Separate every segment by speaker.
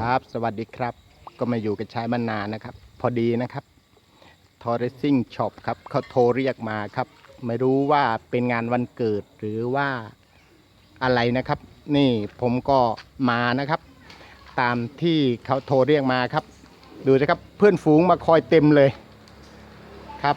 Speaker 1: ครับสวัสดีครับก็มาอยู่กับชายมานานนะครับพอดีนะครับทอร์เรซิ่งช็อปครับเขาโทรเรียกมาครับไม่รู้ว่าเป็นงานวันเกิดหรือว่าอะไรนะครับนี่ผมก็มานะครับตามที่เขาโทรเรียกมาครับดูนะครับเพื่อนฝูงมาคอยเต็มเลยครับ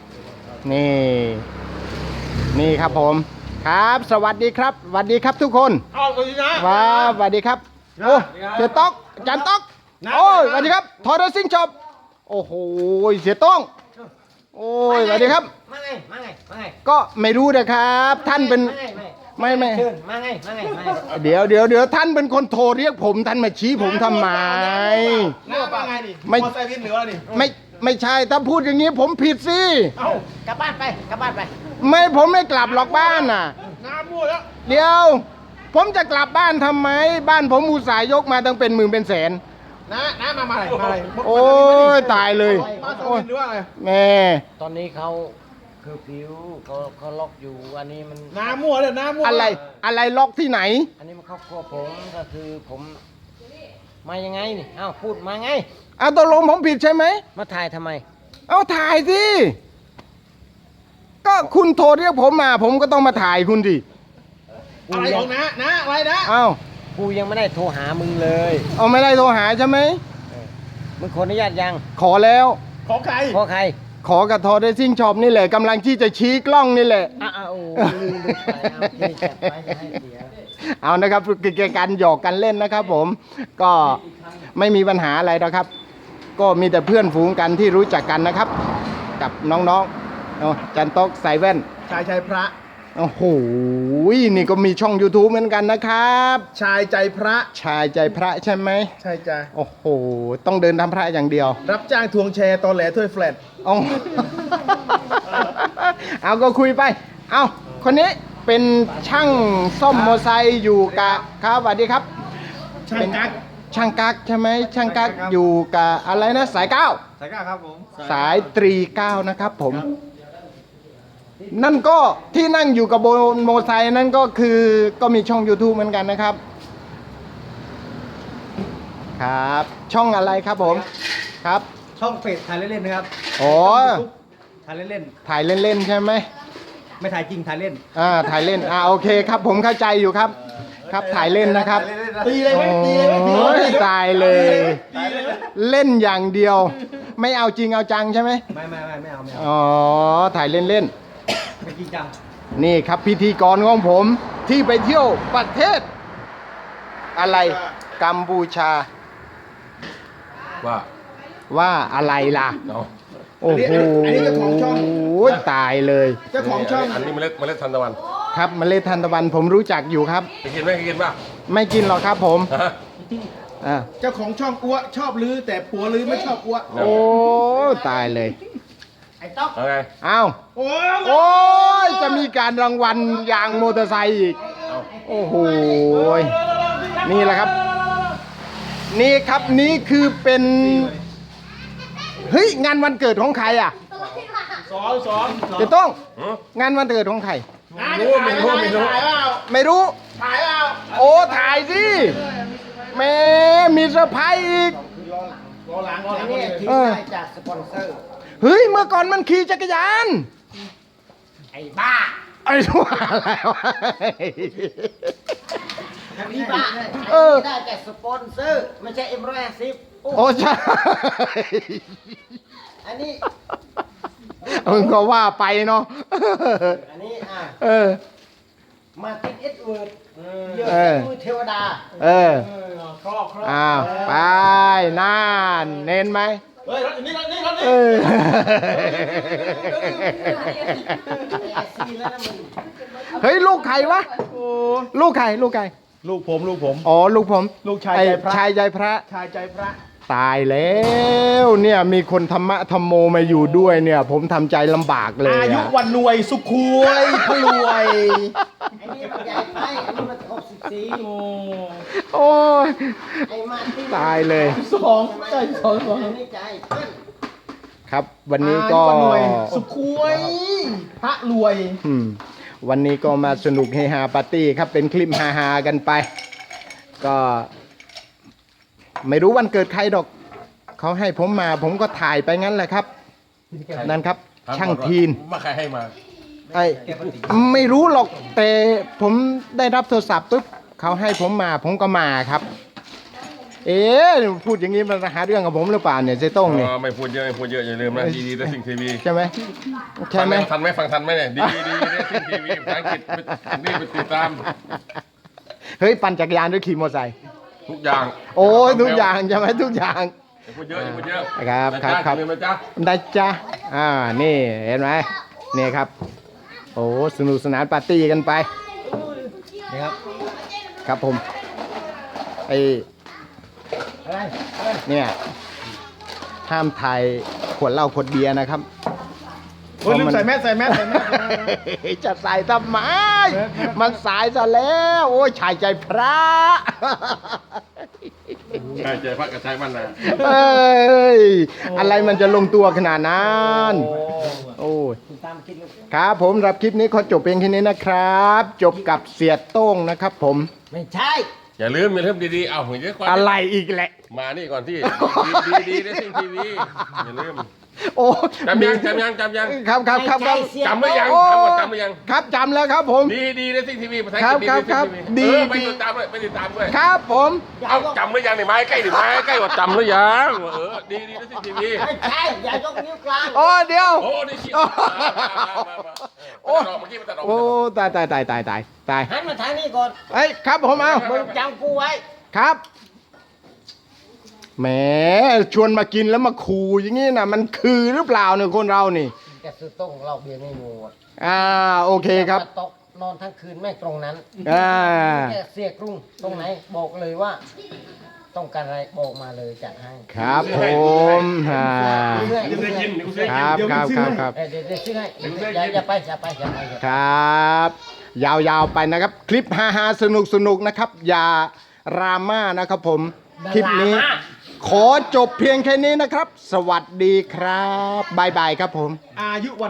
Speaker 1: นี่ครับผมครับสวัสดีครับสวัสดีครับทุกคน
Speaker 2: สวัสดีนะ
Speaker 1: ว้าสวัสดีครับโอ้เสียต๊อกจันต๊อกโอ้ยสวัสดีครับทอร์เรซิ่งช็อปโอ้โหเสียต้องโอ้ยสวัสดีครับ
Speaker 2: มาไง
Speaker 1: ก็ไม่รู้นะครับท่านเป็นไม่
Speaker 2: เชิญมาไง
Speaker 1: เดี๋ยวท่านเป็นคนโทรเรียกผมท่านมาชี้ผมทำไม
Speaker 2: น้าว่าไงดิ
Speaker 1: ไม่
Speaker 2: มอไซค์วินหรือว่าดิ
Speaker 1: ไม่ใช่ถ้าพูดอย่างนี้ผมผิดสิ
Speaker 2: เอ้ากลับบ้านไป
Speaker 1: ไม่ผมไม่กลับหรอกบ้านน่ะ
Speaker 2: น้ามั่วแล้ว
Speaker 1: เดี๋ยวผมจะกลับบ้านทำไมบ้านผมอุตส่าห์ยกมาตั้งเป็นหมื่นเป็นแสน
Speaker 2: น้ามาอะไร
Speaker 1: โอ้ยตายเลย
Speaker 2: มาสวินหรือว่าอะไร
Speaker 1: แม่
Speaker 3: ตอนนี้เขาคือผิวเขาล็อกอยู่อันนี้มัน
Speaker 2: น้ามั่วเลยน้ามั่ว
Speaker 1: อะไรล็อกที่ไหน
Speaker 3: อันนี้มันครอบครัวผมก็คือผมมายังไงนี่เอ้าพูดมาไง
Speaker 1: ตกลงผมผิดใช่ไหม
Speaker 3: มาถ่ายทำไม
Speaker 1: เอาถ่ายสิก็คุณโทรเรียกผมมาผมก็ต้องมาถ่ายคุณดิ
Speaker 2: อะไรของน้าอะไรนะ
Speaker 1: เอ้า
Speaker 3: กูยังไม่ได้โทรหามึงเลย
Speaker 1: เอาไม่ได้โทรหาใช่ไหม
Speaker 3: มึงขออนุญาตยัง
Speaker 1: ขอแล้ว
Speaker 2: ขอใคร
Speaker 1: ขอกับทอร์เรซิ่งช็อปนี่แหละกำลังที่จะชี้กล้องนี่แหละ
Speaker 3: โอ้ลืมไปเอาที่จับไว้จะให้เสีย
Speaker 1: เอานะครับคือการหยอกกันเล่นนะครับผมก็ไม่มีปัญหาอะไรนะครับก็มีแต่เพื่อนฝูงกันที่รู้จักกันนะครับกับน้องๆจันโต๊กใส่แว่น
Speaker 2: ชายพระ
Speaker 1: โอ้โหนี่ก็มีช่อง YouTube เหมือนกันนะครับ
Speaker 2: ชายใจพระ
Speaker 1: ใช่ไหม
Speaker 2: ใช่จ้ะ
Speaker 1: โอ้โหต้องเดินทำพระอย่างเดียว
Speaker 2: รับจ้างทวงแชร์ตอนแหลถ้วยแฟลต
Speaker 1: เอาก็คุยไปเอาคนนี้เป็นช่างซ่อมมอเตอร์ไซค์อยู่กับครับสวัสดีครับ
Speaker 2: ช่างกั๊ก
Speaker 1: ใช่ไหมช่างกั๊กอยู่กับอะไรนะสายเก้า
Speaker 2: ครับผม
Speaker 1: สายตรีเก้านะครับผมนั่นก็ที่นั่งอยู่กับบนมอเตอร์ไซค์นั่นก็คือก็มีช่อง YouTube เหมือนกันนะครับครับช่องอะไรครับผมครับ
Speaker 2: ช่องเฟซถ่ายเล่นๆนะครับ
Speaker 1: อ๋อ
Speaker 2: ถ่ายเล่น
Speaker 1: ใช่ไหม
Speaker 2: ไม่ถ่ายจริงถ่ายเล่น
Speaker 1: ถ่ายเล่นโอเคครับผมเข้าใจอยู่ครับครับถ่ายเล่นนะครับ
Speaker 2: ตีเลยไหม
Speaker 1: โอ้ยตายเลยเล่นอย่างเดียวไม่เอาจริงเอาจังใช่ไหม
Speaker 2: ไม่เอา
Speaker 1: อ๋อถ่ายเล่น
Speaker 2: ไม่จริงจัง
Speaker 1: นี่ครับพิธีกรของผมที่ไปเที่ยวประเทศอะไรกัมพูชาว่าอะไรล่ะโอ้โห
Speaker 2: เจ้าของช่อง
Speaker 1: ตายเลย
Speaker 2: เจ้าของช่อง
Speaker 4: อันนี้เมล็ดทานตะวัน
Speaker 1: ครับเมล็ดทานตะวันผมรู้จักอยู่ครับ
Speaker 4: กินป่ะ
Speaker 1: ไม่กินหรอกครับผม
Speaker 2: เจ้าของช่องอ้วชอบลือแต่ผัวลือไม่ชอบอ้ว
Speaker 1: โอ้ตายเลย
Speaker 2: ไอ้ต๊อก
Speaker 4: ไง
Speaker 1: อ้าวโอ้ยจะมีการรางวัลยางมอเตอร์ไซค์อีกโอ้โหนี่แหละครับนี่ครับนี่คือเป็นเฮ้ยงานวันเกิดของใครอ่ะ
Speaker 2: สอง
Speaker 1: จะต้องงานวันเกิดของใครไม่รู้
Speaker 2: ถ่ายเอา
Speaker 1: โอ้ถ่ายสิแม่มีเซอร์ไพรส์อีก
Speaker 2: หลัง
Speaker 3: นี่ที่ได้จากสปอนเซอร์
Speaker 1: เฮ้ยเมื่อก่อนมันขี่จักรยาน
Speaker 3: ไอ้บ้า
Speaker 1: ไอ้ทั่วอะไรวะ
Speaker 3: พี่บ้าได้จากสปอนเซอร์ไม่ใช่M150
Speaker 1: โอ้ใช่
Speaker 3: อันนี้
Speaker 1: ก็ว่าไปเนาะ
Speaker 3: อันนี้มาติดเอ็ดเวิร์ดเยอะมือเทวดา
Speaker 2: ครอบ
Speaker 1: ไปน่านเน้นไหม
Speaker 2: เฮ้ยนี่
Speaker 1: เฮ้ยลูกใครวะลูกใคร
Speaker 2: ลูกผม
Speaker 1: อ๋อลูกผม
Speaker 2: ลูกชาย
Speaker 1: ใจพระตายแล้วเนี่ยมีคนธรรมะธรรมโมมาอยู่ด้วยเนี่ยผมทำใจลำบากเลย
Speaker 2: อายุวันรวยสุขวยพรวย
Speaker 3: ไอ้นี่มันใหญ่ไปอันนี้มัน64
Speaker 1: โอ้ยตายเลย
Speaker 2: 2ใจ2
Speaker 3: อันนี้ใจ
Speaker 1: ครับวันนี้ก็
Speaker 2: สุขวยพระรวย
Speaker 1: วันนี้ก็มาสนุกเฮฮาปาร์ตี้ครับเป็นคลิปฮาๆกันไปก็ไม่รู้วันเกิดใครดอกเขาให้ผมมาผมก็ถ่ายไปงั้นแหละครับ นั่นครับ ช่างทีน
Speaker 4: ว่าใครให้มา
Speaker 1: ไอ้ไม่รู้หรอกแต่ผมได้รับโทรศัพท์ปุ๊บเขาให้ผมมาผมก็มาครับ เอ๊ะพูดอย่างนี้มันหาเรื่องกับผมหรือเปล่าเนี่ยเจ๊ต้งเนี่ย
Speaker 4: ไม่พูดเยอะอย่าลืมนะดีๆได้สิ่งทีวี
Speaker 1: ใช่ไหมใช่ไหม
Speaker 4: ฟังทันไหมเนี่ยดีได้สิ่งทีวีภาษาอังกฤษนี่ไปติดตาม
Speaker 1: เฮ้ยปั่นจักรยานหรือขี่มอเตอร์ไซค์
Speaker 4: ทุกอย่าง
Speaker 1: โอ้ยทุกอย่างใช่ไหมทุกอย่าง
Speaker 4: อย่าพูดเยอะ
Speaker 1: ครับครับ
Speaker 4: ลืมนะจ๊ะ
Speaker 1: ได้จ้ะนี่เห็นไหมนี่ครับ โอ้สนุกสนานปาร์ตี้กันไป
Speaker 3: นี่ครับ
Speaker 1: ครับผมไอ
Speaker 3: อะไร
Speaker 1: เนี่ยห้ามถ่ายขวดเหล้าขวดเบียร์นะครับ
Speaker 2: โอ้ยลืมใส่แมสใส่แมส
Speaker 1: จะใส่ทำไมมันสายซะแล้ว โอ้ยชายใจพระ
Speaker 4: ใช่ใจพระกระชายบ้านนา
Speaker 1: เอ้ยอะไรมันจะลงตัวขนาดนั้นโอ้ย
Speaker 3: คุณตามคิดลูก
Speaker 1: ครับผมรับคลิปนี้ขอจบเพียงแค่นี้นะครับ จบกับเสียโต้งนะครับผม
Speaker 3: ไม่ใช่
Speaker 4: อย่าลืมดีๆเอาหัวเยอะกว่า
Speaker 1: อะไรอีกแหละ
Speaker 4: มานี่ก่อนที่ดีได้สิ่งทีวีอย่าลืม
Speaker 1: โอ้
Speaker 4: จำยัง
Speaker 1: ครับครับครับครับ
Speaker 4: จำหรือยัง
Speaker 1: โอ้
Speaker 4: ทั้งหมดจำหรือยัง
Speaker 1: ครับจำแล้วครับผม
Speaker 4: ดีได้สิ่งทีวีภาษาอัง
Speaker 1: ครับ
Speaker 4: กฤษ
Speaker 1: ครับ
Speaker 4: ดี
Speaker 1: ครับ
Speaker 4: ไป
Speaker 1: ดี
Speaker 4: ติดตามด้วยไปติดตามด้วย
Speaker 1: ครับผม
Speaker 4: เอาจำหรือยังนี่ไม้ใกล้หรือไม้ใกล้กว่าจำหรือยังดีได้สิ่งทีวี
Speaker 3: ไม่ใช่อย่ายกนิ้วกลาง
Speaker 1: โอ้เดี๋ยว
Speaker 4: โอ้นี่คิดโอ้เมื่อกี้มันตัดออก
Speaker 1: โอ้ตาย
Speaker 3: หันมาทางนี้ก่อน
Speaker 1: เอ้ยครับผมเอา
Speaker 3: มึงจำกูไว้
Speaker 1: ครับแหมชวนมากินแล้วมาขู่อย่างนี้นะมันคือหรือเปล่าเนี่ยคนเรานี่
Speaker 3: แกซื้อต้งเราเบียร์ไม่มูอ่ะ
Speaker 1: โอเคครับ
Speaker 3: ตกนอนทั้งคืนไม่ตรงนั้น
Speaker 1: อ่า
Speaker 3: แกเสียกรุงตรงไหนบอกเลยว่า ต้องการอะไรบอกมาเลยจัดให้
Speaker 1: ครับผม
Speaker 3: เรื่อย
Speaker 4: กูเคยกินกูเคย
Speaker 1: ค
Speaker 4: กิน
Speaker 1: รับครับ
Speaker 3: เดี๋ยวซื้อให้อย่าไป
Speaker 1: ครับ ยาวๆไปนะครับ คลิปฮาๆสนุกๆนะครับ อย่าดราม่านะครับผม คลิปนี้ ขอจบเพียงแค่นี้นะครับ สวัสดีครับบายบายครับผม
Speaker 2: อายุวัน